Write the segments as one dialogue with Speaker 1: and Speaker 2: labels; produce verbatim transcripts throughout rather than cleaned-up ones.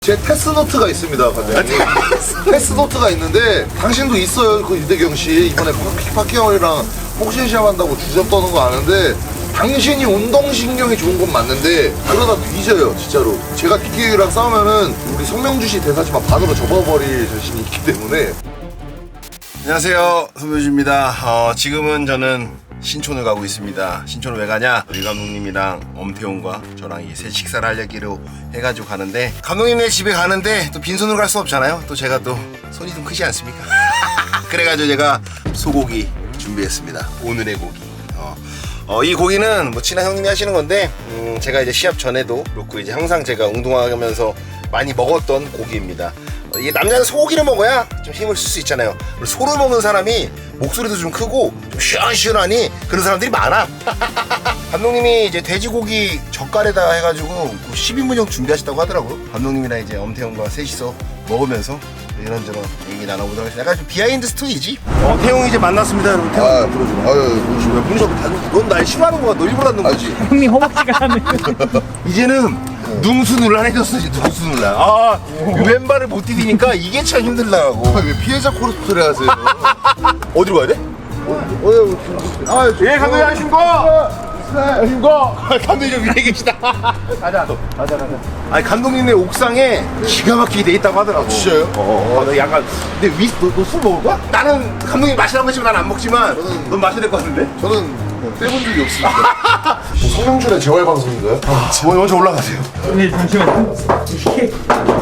Speaker 1: 제 테스노트가 있습니다, 관장님. 테스노트가 있는데 당신도 있어요, 그 유대경 씨. 이번에 파키 형이랑 복싱 시합한다고 주접 떠는 거 아는데 당신이 운동신경이 좋은 건 맞는데 그러다 뒤져요, 진짜로. 제가 키키랑 싸우면은 우리 성명주 씨 대사지만 반으로 접어버릴 자신이 있기 때문에.
Speaker 2: 안녕하세요, 손명주입니다. 어, 지금은 저는 신촌을 가고 있습니다. 신촌을 왜 가냐? 우리 감독님이랑 엄태웅과 저랑 이 새 식사를 하려기로 해가지고 가는데, 감독님네 집에 가는데 또 빈손으로 갈 수 없잖아요. 또 제가 또 손이 좀 크지 않습니까? 그래가지고 제가 소고기 준비했습니다. 오늘의 고기. 어, 어, 이 고기는 뭐 친한 형님이 하시는 건데, 음, 제가 이제 시합 전에도 그렇고 이제 항상 제가 운동하면서 많이 먹었던 고기입니다. 어, 이게 남자는 소고기를 먹어야 좀 힘을 쓸 수 있잖아요. 소를 먹는 사람이 목소리도 좀 크고 좀 시원시원하니 그런 사람들이 많아. 감독님이 이제 돼지고기 젓갈에다 해가지고 십 인분형 준비하셨다고 하더라고요. 감독님이랑 이제 엄태웅과 셋이서 먹으면서 이런저런 얘기 나눠보도록 하겠습니다. 약간 좀 비하인드 스토리지. 어, 태웅이 이제 만났습니다, 여러분. 태웅.
Speaker 1: 아, 그러지 마. 아유, 그러지 마. 문서 넌날 싫어하는 거야. 너 일부러 하는 거지.
Speaker 3: 형님 허벅지가 하는.
Speaker 2: 이제는 능수논란해졌어, 이제 능수논란. 아, 왼발을 못 디디니까 이게 참 힘들더라고.
Speaker 1: 아, 왜 피해자 코스프레 하세요?
Speaker 2: 어디로 가야 돼?
Speaker 1: 어, 어, 아,
Speaker 2: 예, 감독님 안녕하십니까? 안녕하십니까? 감독님 좀 위에 계시다. 가자, 가자, 가자. 아니, 감독님네 옥상에 기가 막히게 돼 있다고 하더라고.
Speaker 1: 진짜요?
Speaker 2: 어, 어, 약간. 근데 위, 너, 너 술 먹을 거야? 나는 감독님 마시라고 했지만 난 안 먹지만,
Speaker 1: 저는-
Speaker 2: 넌 마셔야 될 것 같은데?
Speaker 1: 저는 빼본 적이 없습니다. 뭐 성명준의 재활 방송인가요?
Speaker 2: 아, 먼저 올라가세요.
Speaker 3: 네, 잠시만요. 이게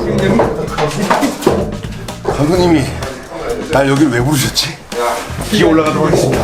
Speaker 2: 감독님이 날 여길 왜 부르셨지? 기어 올라가도록 하겠습니다.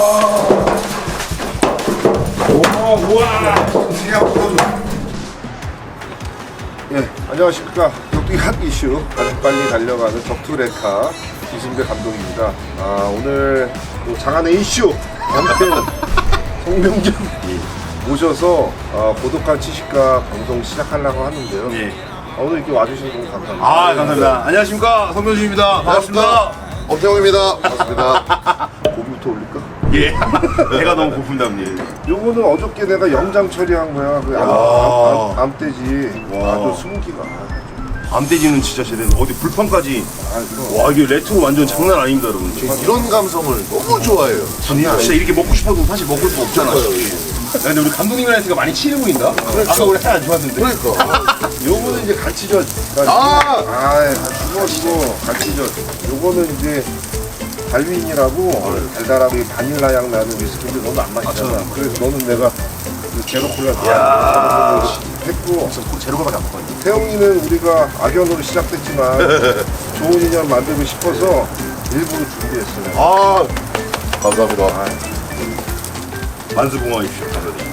Speaker 4: 예, 안녕하십니까. 격투기 핫 이슈 가장 빨리 달려가는 격투레카 이승배 감독입니다. 아, 오늘 또 장안의 이슈 남편 송명준 모셔서 어, 고독한 치식가 방송 시작하려고 하는데요.
Speaker 2: 예.
Speaker 4: 아, 오늘 이렇게 와주셔서 너무 감사합니다.
Speaker 2: 아, 감사합니다. 안녕하십니까, 성명주입니다. 반갑습니다.
Speaker 1: 엄태웅입니다. 반갑습니다.
Speaker 4: 고기부터 올릴까?
Speaker 2: 예. 배가 너무 고픈다, 형님.
Speaker 4: 요거는 어저께 내가 영장 처리한 거야. 그 암,
Speaker 2: 와.
Speaker 4: 암, 암, 암돼지
Speaker 2: 와.
Speaker 4: 아주 스무기가.
Speaker 2: 암돼지는 진짜 제대로. 어디 불판까지.
Speaker 4: 아, 그럼.
Speaker 2: 와, 이게 레트로 완전 장난 아닙니다, 여러분.
Speaker 1: 이런 감성을 너무 좋아해요.
Speaker 2: 진짜 이렇게 먹고 싶어도 사실 먹을 거 없잖아. 야, 근데 우리 감독님이랑 많이 친해 보인다? 아까 우리 사이 안 좋았는데.
Speaker 1: 그러니까.
Speaker 4: 요거는 이제 갈치젓.
Speaker 1: 아!
Speaker 4: 아, 죽어 죽어 갈치젓. 요거는 이제 달윈이라고 달달하고 바닐라 향 나는 위스키인데 너는 안 마시잖아. 그래서 너는 내가 그 제로 콜라 좋아하는 했고,
Speaker 2: 제로가 안 먹거든요.
Speaker 4: 태영이는 우리가 악연으로 시작됐지만 좋은 인연 만들고 싶어서 일부러 준비했어요.
Speaker 1: 아, 감사합니다.
Speaker 2: 만수공화입시오, 감독님.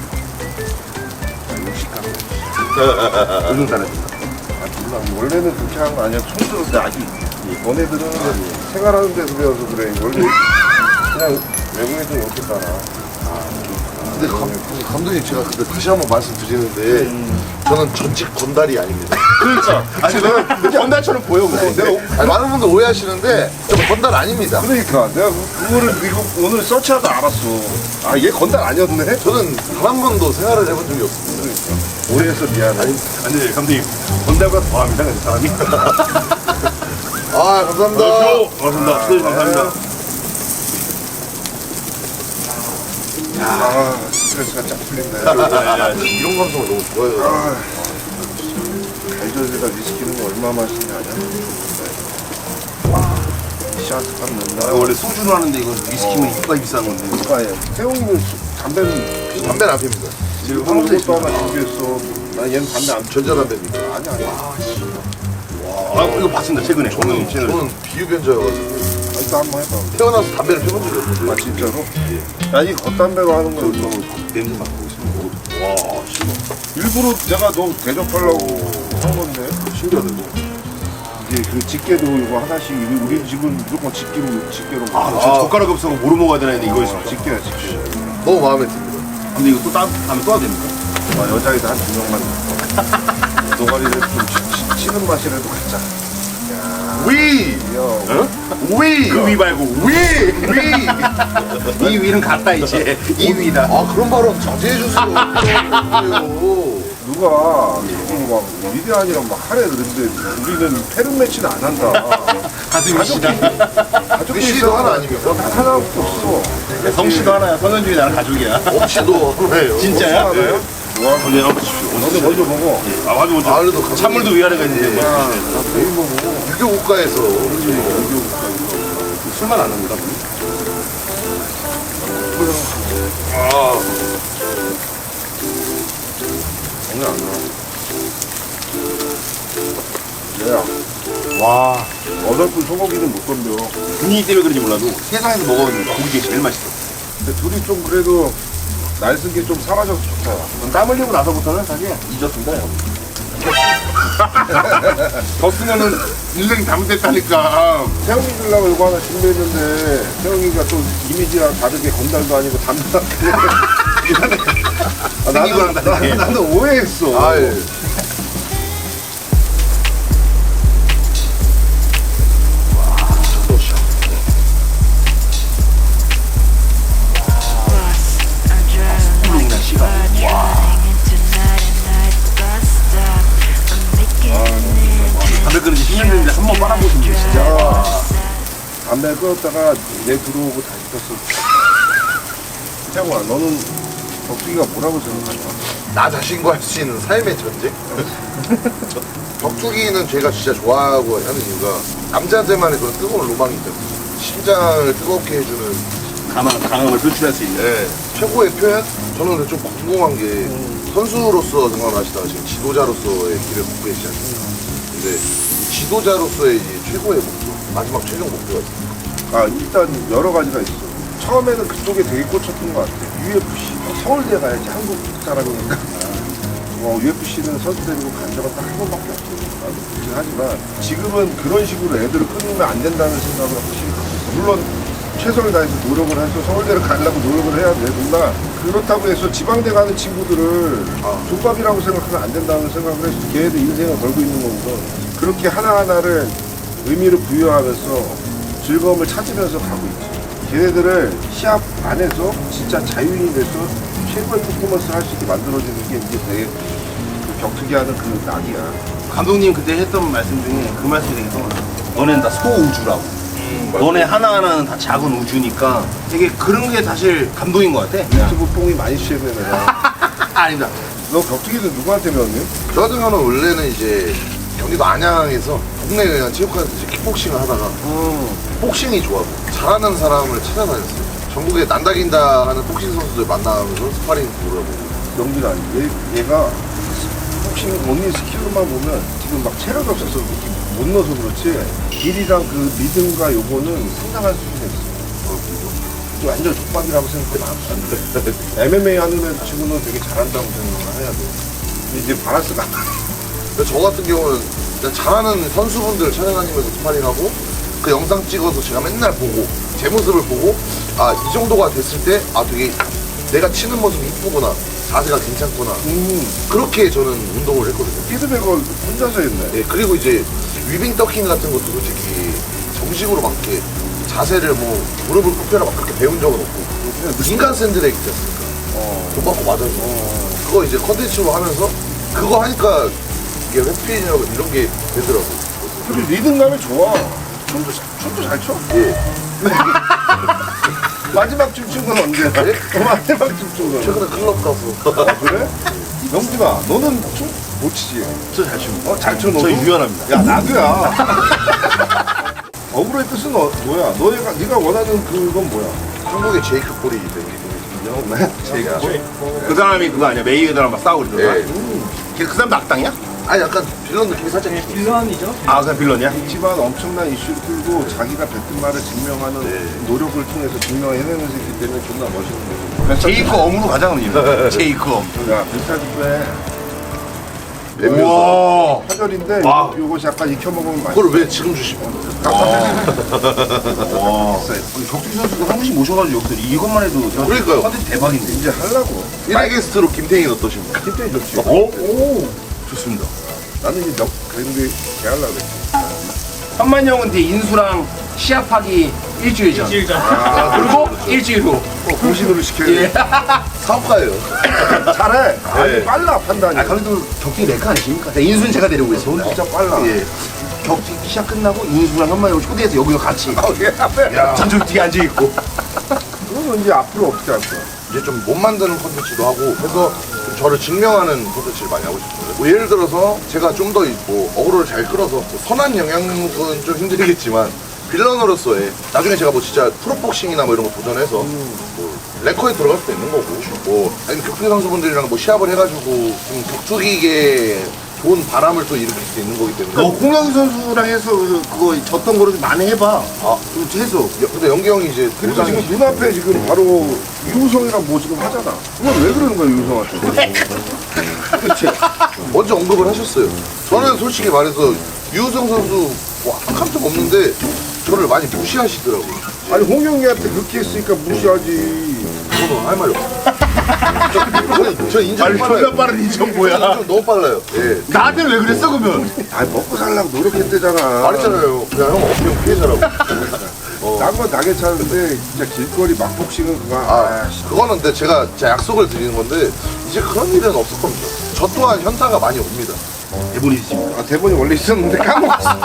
Speaker 4: 육식하고.
Speaker 2: 운동 잘해준다.
Speaker 4: 아, 몰라. 원래는 그렇게 하는 거 아니야. 촌스러운데 아직. 너네들은 생활하는 데서 배워서 그래. 원래 그냥 외국에도 이렇게 따라.
Speaker 1: 근데 감, 감독님 제가 근데 다시 한번 말씀드리는데 저는 전직 건달이 아닙니다.
Speaker 2: 그러니까. 아니, 내가 건달처럼 보여, 근데.
Speaker 4: 내가
Speaker 1: 아니, 많은 분들 오해하시는데 저 건달 아닙니다.
Speaker 4: 그러니까 내가 그- 그거를 이거 오늘 서치하다 알았어. 아, 얘 건달 아니었네.
Speaker 1: 저는 단 한 번도 생활을 해본 적이 없습니다.
Speaker 4: 오해해서 미안해.
Speaker 2: 아니, 아니, 감독님. 건달보다 더합니다, 그 사람이.
Speaker 1: 아, 감사합니다.
Speaker 2: 고맙습니다. 수고해 감사합니다.
Speaker 4: 아, 스트레스가 쫙 풀린다.
Speaker 1: 이런 감성을 너무 좋아해요.
Speaker 4: 아, 갈젓에다 위스키는 얼마 맛있냐 샷값 넣나?
Speaker 2: 원래 소주로 하는데 이거 위스키면 이빨 비싼 건데.
Speaker 4: 아예 태용이는 수- 담배는
Speaker 1: 담배는 안 핍니다.
Speaker 4: 지금 한국에 또 하나 준비했어. 나 얘는 담배 안 펴.
Speaker 1: 전자담배입니다.
Speaker 4: 아니 아니.
Speaker 2: 아, 이거 봤습니다, 최근에.
Speaker 1: 저는,
Speaker 2: 채널.
Speaker 1: 저는 비흡연자여가지고
Speaker 4: 아, 일단 한번 해봐.
Speaker 1: 태어나서 담배를 펴본 적이 없는데.
Speaker 4: 아 진짜로? 아니 겉담배가 하는 거야.
Speaker 2: 저거 냄새 맡고 있습니다. 와, 싫어.
Speaker 4: 일부러 내가 너 대접하려고 한 건데.
Speaker 1: 신기하다, 이거.
Speaker 4: 이제 그 집게도 이거 하나씩 우리, 우리 집은 무조건 집게로 집게로
Speaker 2: 아,
Speaker 4: 먹어.
Speaker 2: 저 젓가락 없어서 뭐로 먹어야 되나 했는데 이거 있어.
Speaker 4: 집게야 집게.
Speaker 1: 너무 마음에 듭니다.
Speaker 2: 근데 이거 또 따, 다음에 또 해야 됩니까?
Speaker 4: 아, 여자애들 한 두 명만 노가리를 좀 치- 치- 치는 맛이라도 갖자.
Speaker 1: 위!
Speaker 4: 야,
Speaker 1: 위!
Speaker 2: 그 위 말고
Speaker 1: 위! 위!
Speaker 2: 이 위는 갔다 이제. 이 위다.
Speaker 1: 아, 그런 발언 자제해주세요.
Speaker 4: 누가 막 위대한이랑 막 하래 그랬는데 우리는 패른 매치는 안 한다.
Speaker 5: 가슴이시다.
Speaker 4: 가족이
Speaker 1: 씨도 하나 아닙니까?
Speaker 4: 하나밖에 없어.
Speaker 5: 성씨도 하나야. 성현중이 나랑 가족이야.
Speaker 1: 없이도 그래요.
Speaker 5: 진짜야?
Speaker 4: 네. 와,
Speaker 5: 먼저 나오십시오.
Speaker 4: 너도 먼저 먹어.
Speaker 5: 아, 맞아, 먼저.
Speaker 1: 아, 그래도 가족이-
Speaker 5: 찬물도 위아래가 있는데.
Speaker 4: 야, 내일 먹어.
Speaker 1: 유교 국가에서
Speaker 5: 술만 안 합니다.
Speaker 1: 아,
Speaker 4: 장난 안 나. 얘야,
Speaker 5: 와.
Speaker 4: 어설픈 소고기는 못 덤벼.
Speaker 5: 분위기 때문에 그런지 몰라도 세상에서 먹어본 고기가 제일 맛있어.
Speaker 4: 근데 둘이 좀 그래도 날 쓴 게 좀 사라져서 좋다.
Speaker 5: 땀 흘리고 나서부터는 사실 잊었습니다, 형. 더 쓰면은 인생 잘못됐다니까.
Speaker 4: 태영이 주려고 이거 하나 준비했는데 태영이가 또 이미지랑 다르게 건달도 아니고 담당. 아,
Speaker 5: 생긴 거랑
Speaker 4: 나는,
Speaker 5: 다르게.
Speaker 4: 나, 나는 오해했어.
Speaker 1: 아, 예.
Speaker 5: 담배 끊은 지 십 년 됐는데 한 번 빨아보신 분 진짜.
Speaker 4: 야, 담배 끊었다가 내 들어오고 다시 폈어. 태영아, 너는 덕수기가 뭐라고 생각하냐?
Speaker 1: 나 자신과 할 수 있는 삶의 전쟁? 저- 격투기는 제가 진짜 좋아하고 하는 이유가 남자들만의 그런 뜨거운 로망이 있죠. 심장을 뜨겁게 해주는
Speaker 5: 강함, 강함을 표출할 수 있는.
Speaker 1: 예, 최고의 표현? 저는 근데 좀 궁금한 게 선수로서 생각하시다가 지금 지도자로서의 길을 걷고 계시지 않습니까? 근데 이 지도자로서의 이제 최고의 목표, 마지막 최종 목표가 있습니다.
Speaker 4: 아, 일단 여러 가지가 있어. 처음에는 그쪽에 되게 꽂혔던 것 같아. 유에프씨. 서울대 가야지, 한국 사람이니까. 어, 유에프씨는 선수 데리고 간 적은 딱 한 번밖에 없어. 나도 그렇긴 하지만 지금은 그런 식으로 애들을 끊으면 안 된다는 생각을 확실히 갖고 있어. 물론 최선을 다해서 노력을 해서 서울대를 가려고 노력을 해야 되구나. 그렇다고 해서 지방대 가는 친구들을
Speaker 1: 아.
Speaker 4: 족밥이라고 생각하면 안 된다는 생각을 해서 걔네들 인생을 걸고 있는 거거든. 그렇게 하나하나를 의미를 부여하면서 즐거움을 찾으면서 가고 있지. 걔네들을 시합 안에서 진짜 자유인이 돼서 최고의 퍼포먼스를 할 수 있게 만들어주는 게 이제 되게 그 격투기 하는 그 낙이야.
Speaker 5: 감독님 그때 했던 말씀 중에 그 말씀이 되게 떠올라. 너네는 다 소우주라고. 너네 하나하나는 다 작은 우주니까 되게 그런 게 사실 감동인 것 같아.
Speaker 4: 유튜브 뽕이 많이 취했네 내가.
Speaker 5: 아니다.
Speaker 4: 너 격투기는 누구한테 배웠니?
Speaker 1: 저 같은 경우는 원래는 이제 경기도 안양에서 동네 그냥 체육관에서 이제 킥복싱을 하다가 복싱이 좋아서 잘하는 사람을 찾아다녔어요. 전국에 난다긴다 하는 복싱 선수들 만나면서 스파링 돌아보고.
Speaker 4: 영빈아, 얘, 얘가 복싱 언니 스킬로만 보면 지금 막 체력이 없어서 이렇게 못 넣어서 그렇지 길이랑 그 리듬과 요거는 상당한 수준에 있어. 좀 완전 족박이라고 생각하면 안 돼. 엠엠에이 하는 애 친구는 되게 잘한다고 생각을 해야 돼. 근데 이제 바란스가 안 맞아.
Speaker 1: 근데 저 같은 경우는 그냥 잘하는 선수분들 찾아다니면서 스파링하고 그 영상 찍어서 제가 맨날 보고 제 모습을 보고 아 이 정도가 됐을 때 아 되게 내가 치는 모습이 이쁘구나, 자세가 괜찮구나,
Speaker 4: 음,
Speaker 1: 그렇게 저는 운동을 했거든요.
Speaker 4: 피드백을 혼자서 했네.
Speaker 1: 네, 그리고 이제 위빙 더킹 같은 것도 솔직히 정식으로 막 이렇게 자세를 뭐 무릎을 굽혀라 막 그렇게 배운 적은 없고 그냥 인간 샌드백 있지 않습니까?
Speaker 4: 어.
Speaker 1: 돈 받고 맞아서 그거 이제 컨텐츠로 하면서 그거 하니까 이게 회피력 이런 게 되더라고.
Speaker 4: 그리고 리듬감이 좋아. 춤도, 춤도 잘 춰.
Speaker 1: 예.
Speaker 4: 마지막 춤춘 건 언제야?
Speaker 1: 네?
Speaker 4: 마지막 춤춘 건.
Speaker 1: 최근에 클럽 가서
Speaker 4: 아, 그래? 영진아, 너는 춤 못 치지?
Speaker 5: 저 잘 춥니다.
Speaker 4: 어, 잘 춰, 너도?
Speaker 5: 저 유연합니다.
Speaker 4: 야, 나도야. 어그로의 뜻은 어, 뭐야? 너가, 네가 원하는 그건 뭐야?
Speaker 1: 한국의 제이크 폴이 되게
Speaker 4: 제가.
Speaker 5: 그 사람이 그거 아니야? 메이웨더랑 막 싸우고 그러잖아.
Speaker 1: 예.
Speaker 5: 걔 그 사람도 악당이야?
Speaker 1: 아니 약간 빌런 느낌이 살짝 있어.
Speaker 3: 빌런이죠.
Speaker 5: 아, 그냥 빌런이야?
Speaker 4: 있지만 엄청난 이슈를 끌고 자기가 뱉은 말을 증명하는
Speaker 1: 네.
Speaker 4: 노력을 통해서 증명해내는 새끼 때문에 존나 멋있는 거지.
Speaker 5: 제이크 엄으로 가자, 그러면. 제이크 엄.
Speaker 4: 야, 멘탈 빼.
Speaker 5: 우와.
Speaker 4: 화절인데
Speaker 5: 와.
Speaker 4: 요- 요것이 약간 익혀먹으면 맛있어.
Speaker 1: 그걸 왜 지금 주시면?
Speaker 5: 와. 아니, 격투기 선수가 한 분씩 모셔가지고 여기서 이것만 해도 제가
Speaker 1: 그러니까요.
Speaker 5: 컨텐츠 대박인데.
Speaker 4: 이제 하려고.
Speaker 1: 일일 게스트로 김태희는 어떠십니까?
Speaker 4: 힘들이 좋지.
Speaker 5: 어? 오. 좋습니다.
Speaker 4: 나는 이제 몇 그랜드 개 하려고 그랬지.
Speaker 5: 현만 형은 뒤에 인수랑 시합하기 일주일 전.
Speaker 3: 일주일 전.
Speaker 5: 그리고 일주일 후.
Speaker 4: 어, 공신으로 시켜야
Speaker 5: 예.
Speaker 4: 돼.
Speaker 1: 사업가예요.
Speaker 4: 잘해. 아니,
Speaker 5: 네.
Speaker 4: 빨라, 판단이.
Speaker 5: 아, 그래도 격투기 레카 아니십니까? 네, 인수는 제가 데리고
Speaker 4: 돈
Speaker 5: 있습니다.
Speaker 4: 진짜 빨라.
Speaker 5: 예. 격투기 시합 끝나고 인수랑 현마이를 초대해서 여기서 같이
Speaker 4: 아, 예, 앞에.
Speaker 1: 야,
Speaker 5: 전좀 뒤에 앉아있고.
Speaker 4: 그러면 이제 앞으로 어떻게 할 거야?
Speaker 1: 이제 좀 못 만드는 콘텐츠도 하고 해서 좀 저를 증명하는 콘텐츠를 많이 하고 싶어요. 뭐 예를 들어서 제가 좀 더 뭐 어그로를 잘 끌어서 뭐 선한 영향력은 좀 힘들겠지만 빌런으로서의 나중에 제가 뭐 진짜 프로복싱이나 뭐 이런 거 도전해서 뭐 레커에 들어갈 수도 있는 거고 뭐 아니면 격투기 선수분들이랑 뭐 시합을 해가지고 좀 격투기계 좋은 바람을 또 일으킬 수 있는 거기 때문에
Speaker 5: 너 홍영희 선수랑 해서 그거 졌던 거를 좀 만회해봐.
Speaker 1: 아,
Speaker 5: 좀 해서.
Speaker 1: 여- 근데 영기 형이 이제
Speaker 4: 그리고
Speaker 1: 도장이-
Speaker 4: 지금 눈앞에 지금 바로 유우성이랑 뭐 지금 하잖아. 그건 왜 그러는 거야, 유우성한테? 그치?
Speaker 1: 먼저 언급을 하셨어요. 저는 솔직히 말해서 유우성 선수 뭐 악한 적 없는데 저를 많이 무시하시더라고요.
Speaker 4: 아니, 홍영이한테 그렇게 했으니까 무시하지.
Speaker 1: 저는 할 말이 없어요. 저, 저, 저 인정
Speaker 5: 아니,
Speaker 1: 빨라요.
Speaker 5: 존나 빠른 인정 뭐야.
Speaker 1: 인정 너무 빨라요. 예.
Speaker 5: 나한테는 왜 그랬어, 그러면?
Speaker 4: 아니, 먹고 살려고 노력했대잖아.
Speaker 1: 말했잖아요. 그냥 형 어깨 피해자라고.
Speaker 4: 딴 건 다 괜찮은데, 진짜 길거리 막복싱은 그만.
Speaker 1: 아,
Speaker 4: 아, 씨.
Speaker 1: 그거는 근데 제가 제 약속을 드리는 건데 이제 그런 일은 없을 겁니다. 저 또한 현타가 많이 옵니다.
Speaker 5: 대본이 있습니다.
Speaker 4: 아, 대본이 원래 있었는데 까먹었어.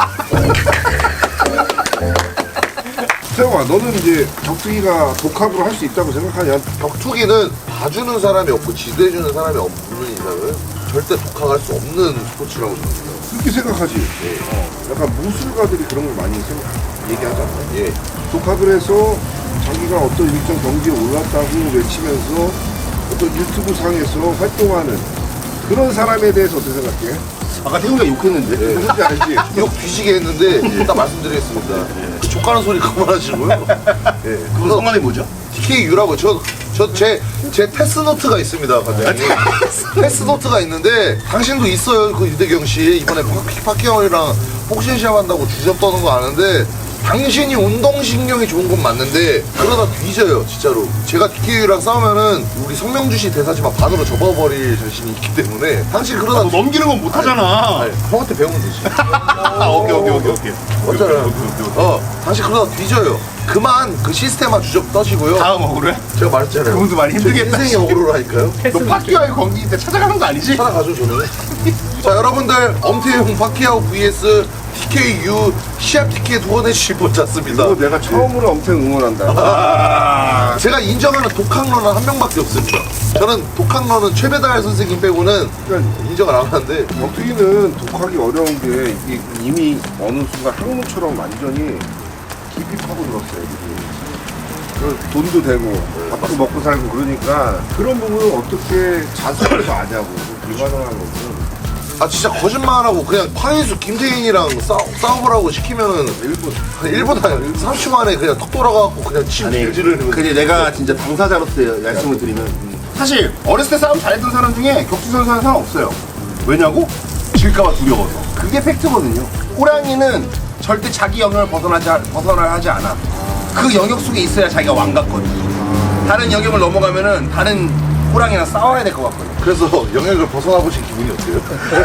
Speaker 4: 태영아, 너는 이제 격투기가 독학으로 할 수 있다고 생각하냐?
Speaker 1: 격투기는 봐주는 사람이 없고 지도해주는 사람이 없는 이상은 절대 독학할 수 없는 스포츠라고 생각해요.
Speaker 4: 그렇게 생각하지? 어, 약간 무술가들이 그런 걸 많이 생각, 얘기하잖아.
Speaker 1: 예.
Speaker 4: 독학을 해서 자기가 어떤 일정 경지에 올랐다고 외치면서 어떤 유튜브 상에서 활동하는 그런 사람에 대해서 어떻게 생각해?
Speaker 5: 아까 태훈이가 욕했는데.
Speaker 1: 예.
Speaker 4: 누군지 알지?
Speaker 1: 욕 뒤지게 했는데 일단 말씀드리겠습니다. 족가는 소리 그만하시고요. 예.
Speaker 5: 그거 성함이 뭐죠?
Speaker 1: 티케이유라고 저 저 제 제 패스노트가 있습니다, 과장님. 패스노트가 있는데 당신도 있어요, 그 유대경 씨 이번에 파키 파키형이랑 복싱 시합한다고 주접 떠는 거 아는데 당신이 운동신경이 좋은 건 맞는데 그러다 뒤져요, 진짜로. 제가 티케이유랑 싸우면은 우리 성명주 씨 대사지만 반으로 접어버릴 자신이 있기 때문에 당신 그러다
Speaker 5: 너 넘기는 건 못하잖아.
Speaker 1: 아니, 형한테 배우면 되지.
Speaker 5: 아, 오케이, 오케이, 오케이, 오케이.
Speaker 1: 맞잖아요. 어, 당신 그러다 뒤져요. 그만 그 시스템만 주접 떠시고요.
Speaker 5: 다음 억울해?
Speaker 1: 제가 말했잖아요.
Speaker 5: 그분도 많이 힘들겠다.
Speaker 1: 제 인생이 억울하니까요.
Speaker 5: 너 파키아의 관계인데 찾아가는 거 아니지?
Speaker 1: 살아가죠 저는. 자 여러분들 엄태용 파키아오 vs 티케이유 시합 티켓 후원해 주실 분 찾습니다.
Speaker 4: 이거 내가 처음으로 엄청 응원한다.
Speaker 1: 아, 제가 인정하는 독학러는 한 명밖에 없습니다. 저는 독학러는 최배달 선생님 빼고는
Speaker 4: 그러니까
Speaker 1: 인정을 안 하는데
Speaker 4: 격투기는 독하기 어려운 게 이게 이미 어느 순간 학문처럼 완전히 깊이 파고들었어요. 이게. 그 돈도 되고 밥도 먹고 살고 그러니까 그런 부분을 어떻게 자수해서 아냐고 불가능한 거고.
Speaker 1: 아 진짜 거짓말하고 그냥 황인수 김태인이랑 싸, 싸움을 시키면은
Speaker 4: 일본
Speaker 1: 한 일 분 한 삼십 초 만에 그냥 턱 돌아가갖고 그냥 침
Speaker 5: 아니,
Speaker 1: 질질을
Speaker 5: 근데 내가 진짜 당사자로서 말씀을 드리면 사실 어렸을 때 싸움 잘했던 사람 중에 격투 선수는 사람 없어요. 왜냐고? 질까봐 두려워서. 그게 팩트거든요. 호랑이는 절대 자기 영역을 벗어나지, 벗어나야 하지 않아. 그 영역 속에 있어야 자기가 왕 같거든. 다른 영역을 넘어가면은 다른 호랑이랑 싸워야 될 것 같거든.
Speaker 1: 그래서 영역을 벗어나 보신 기분이 어때요?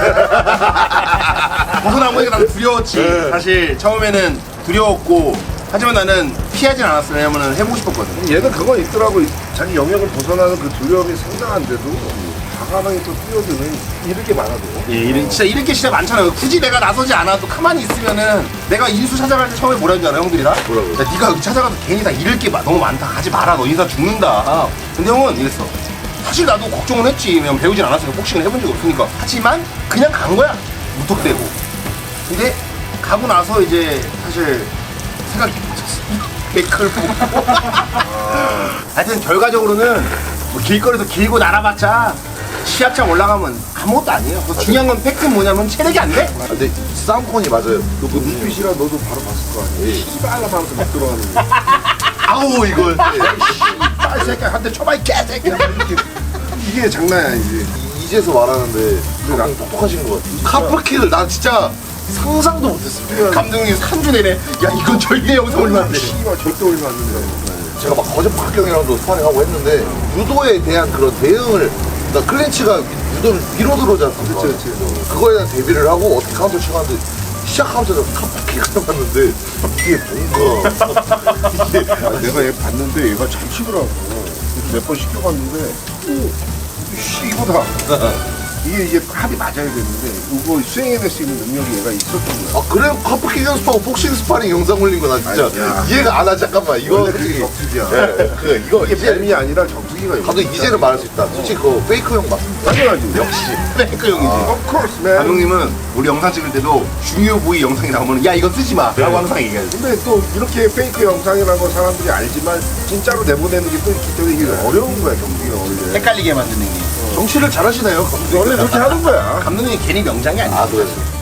Speaker 5: 벗어나보니까 나는 두려웠지. 사실 처음에는 두려웠고 하지만 나는 피하진 않았어. 왜냐면은 해보고 싶었거든.
Speaker 4: 얘는 그건 있더라고. 자기 영역을 벗어나는 그 두려움이 상당한데도 과감하게 또 뛰어드는 이럴 게 많아도.
Speaker 5: 예, 이런, 진짜 이렇게 진짜 많잖아요. 굳이 내가 나서지 않아도 가만히 있으면은 내가 인수 찾아갈 때 처음에 뭐라 했지 알아, 형들이 다?
Speaker 1: 뭐라고요?
Speaker 5: 야, 네가 여기 찾아가서 괜히 다 잃을 게 마- 너무 많다. 가지 마라. 너 인사 죽는다. 근데 형은 이랬어. 사실 나도 걱정은 했지. 왜냐면 배우진 않았으니까 복싱을 해본 적이 없으니까. 하지만 그냥 간 거야. 무턱대고. 근데 가고 나서 이제 사실 생각이 바뀌었어. 맥클 보고. 하여튼 결과적으로는 뭐 길거리에서 길고 날아봤자 시합장 올라가면 아무것도 아니에요. 그래서 중요한 건 팩트는 뭐냐면 체력이 안 돼.
Speaker 1: 아, 근데 싸움콘이 맞아요.
Speaker 4: 너 그 눈빛이라 너도 바로 봤을 거 아니야. 씨발라 하면서 막 들어가는 거.
Speaker 5: 아우 이걸.
Speaker 4: 아, 이 새끼야, 한 대 쳐봐, 이 개새끼야. 이렇게. 이게 장난이 아니지.
Speaker 1: 이제서 말하는데 랑 똑똑하신 것 같아요. 카프키를 난 진짜 상상도 못했습니다.
Speaker 5: 감독님 삼 주 내내 야 이건 절대 영상 올리면 안 돼.
Speaker 4: 씨발, 절대 올리면 안 된다.
Speaker 1: 제가 막 거짓 박경이랑도 스파링하고 했는데 유도에 대한 그런 대응을 그러니까 클린치가 유도를 위로 들어오지 않습니까?
Speaker 4: 그치, 그치.
Speaker 1: 그거에 대한 대비를 하고 어떻게 카운터 치고 하는데 시작하면서 카프키가 봤는데 이게 뭔가 이게
Speaker 4: 아, 내가 얘 봤는데 얘가 잘 치더라고. 몇 번 시켜봤는데 오, 씨 이거다. 이게 이제 합이 맞아야 되는데 이거 수행해낼 수 있는 능력이 얘가 있었던 거야.
Speaker 1: 아 그래 카프키 연습하고 복싱 스파링 영상 올린 거 나 진짜
Speaker 4: 아니, 야.
Speaker 1: 이해가 안 하. 잠깐만 이거
Speaker 4: 원래 그게 격투기야.
Speaker 1: 예, 그 이거
Speaker 4: 이게
Speaker 1: 이제
Speaker 4: 뱀이 아니라 격투기가
Speaker 1: 감독 이제는 말할 수 있다. 솔직히 그 페이크 형 맞습니다.
Speaker 4: 당연하지.
Speaker 5: 역시 페이크 형이지.
Speaker 4: Of course, man.
Speaker 5: 감독님은 우리 영상 찍을 때도 중요 부위 영상이 나오면 야 이거 쓰지 마 라고 항상 얘기해요.
Speaker 4: 근데 또 이렇게 페이크 영상이라는 거 사람들이 알지만 진짜로 내보내는 게 또 있기 때문에 이게 어려운 거야 경기가 원래.
Speaker 5: 헷갈리게 만드는 게.
Speaker 1: 정치를 잘하시네요. 감독.
Speaker 4: 원래 그렇게 하는 거야.
Speaker 5: 감독님이 괜히 명장이 아니야.
Speaker 1: 아 그래.